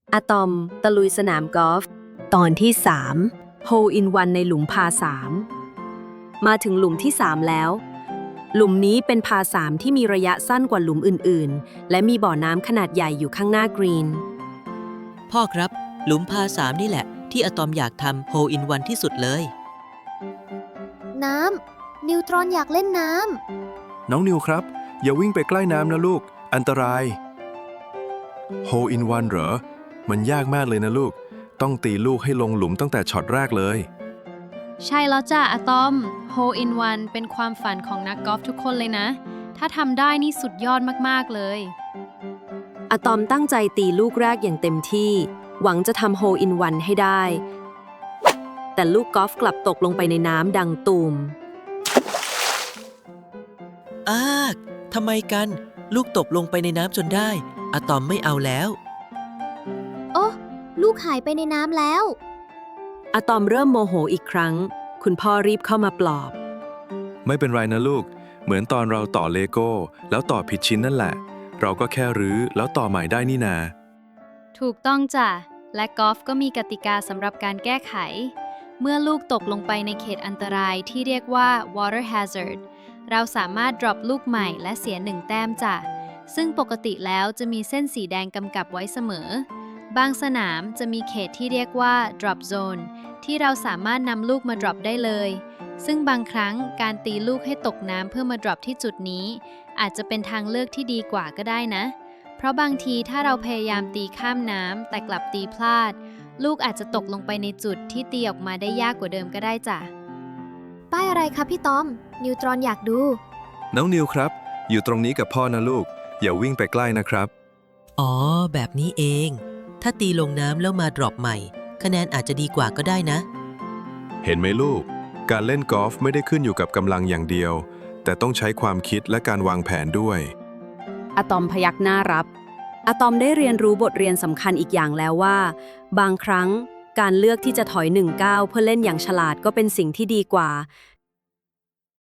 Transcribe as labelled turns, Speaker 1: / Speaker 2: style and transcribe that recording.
Speaker 1: อะตอมตะลุยสนามกอล์ฟตอนที่3 Hole in One ในหลุมพา3มาถึงหลุมที่3แล้วหลุมนี้เป็นพา3ที่มีระยะสั้นกว่าหลุมอื่นๆและมีบ่อน้ำขนาดใหญ่อยู่ข้างหน้ากรีน
Speaker 2: พ่อครับหลุมพา3นี่แหละที่อะตอมอยากทำ Hole in One ที่สุดเลย
Speaker 3: น้ำ นิวตรอนอยากเล่นน้
Speaker 4: น้องนิวครับ อย่าวิ่งไปใกล้น้ำนะลูก อันตราย Hole in One เหรอ มันยากมากเลยนะลูก ต้องตีลูกให้ลงหลุมตั้งแต่ช็อตแรกเลย
Speaker 5: ใช่แล้วจ้ะอะตอม Hole in One เป็นความฝันของนักกอล์ฟทุกคนเลยนะ ถ้าทำได้นี่สุดยอดมากๆเลย
Speaker 1: อะตอมตั้งใจตีลูกแรกอย่างเต็มที่ หวังจะทำ Hole in One ให้ได้ แต่ลูกกอล์ฟกลับตกลงไปในน้ำดังตูม
Speaker 2: ทำไมกัน ลูกตกลงไปในน้ำจนได้อะตอมไม่เอาแล้ว
Speaker 3: ำ โอ้ลูกหายไปในน้ำแล้ว
Speaker 1: อะตอมเริ่มโมโหอีกครั้ง คุณพ่อรีบเข้ามาปลอบ
Speaker 4: ไม่เป็นไรนะลูก เหมือนตอนเราต่อเลโก้แล้วต่อผิดชิ้นนั่นแหละ เราก็แค่รื้อแล้วต่อใหม่ได้นี่นา
Speaker 5: ถูกต้องจ้ะ และกอล์ฟก็มีกติกาสำหรับการแก้ไข เมื่อลูกตกลงไปในเขตอันตรายที่เรียกว่า water hazard เราสามารถ drop ลูกใหม่และเสีย1 แต้มจ้ะ ซึ่งปกติแล้วจะมีเส้นสีแดงกำกับไว้เสมอ บางสนามจะมีเขตที่เรียกว่า drop zone ที่เราสามารถนำลูกมา drop ได้เลย ซึ่งบางครั้งการตีลูกให้ตกน้ำเพื่อมา drop ที่จุดนี้ อาจจะเป็นทางเลือกที่ดีกว่าก็ได้นะ เพราะบางทีถ้าเราพยายามตีข้ามน้ำแต่กลับตีพลาด ลูกอาจจะตกลงไปในจุดที่ตีออกมาได้ยากกว่าเดิมก็ได้จ้ะ
Speaker 3: ป้ายอะไรคะพี่ตอม นิวตรอนอยากดู
Speaker 4: น้องนิวครับ อยู่ตรงนี้กับพ่อนะลูก อย่าวิ่งไปใกล้นะครับ
Speaker 2: อ๋อ แบบนี้เอง ถ้าตีลงน้ำแล้วมา drop ใหม่ คะแนนอาจจะดีกว่าก็ได้นะ
Speaker 4: เห็นไหมลูก การเล่นกอล์ฟไม่ได้ขึ้นอยู่กับกำลังอย่างเดียว แต่ต้องใช้ความคิดและการวางแผนด้วย
Speaker 1: อะตอมพยักหน้ารับ อะตอมได้เรียนรู้บทเรียนสำคัญอีกอย่างแล้วว่า บางครั้งการเลือกที่จะถอย1 ก้าวเพื่อเล่นอย่างฉลาดก็เป็นสิ่งที่ดีกว่า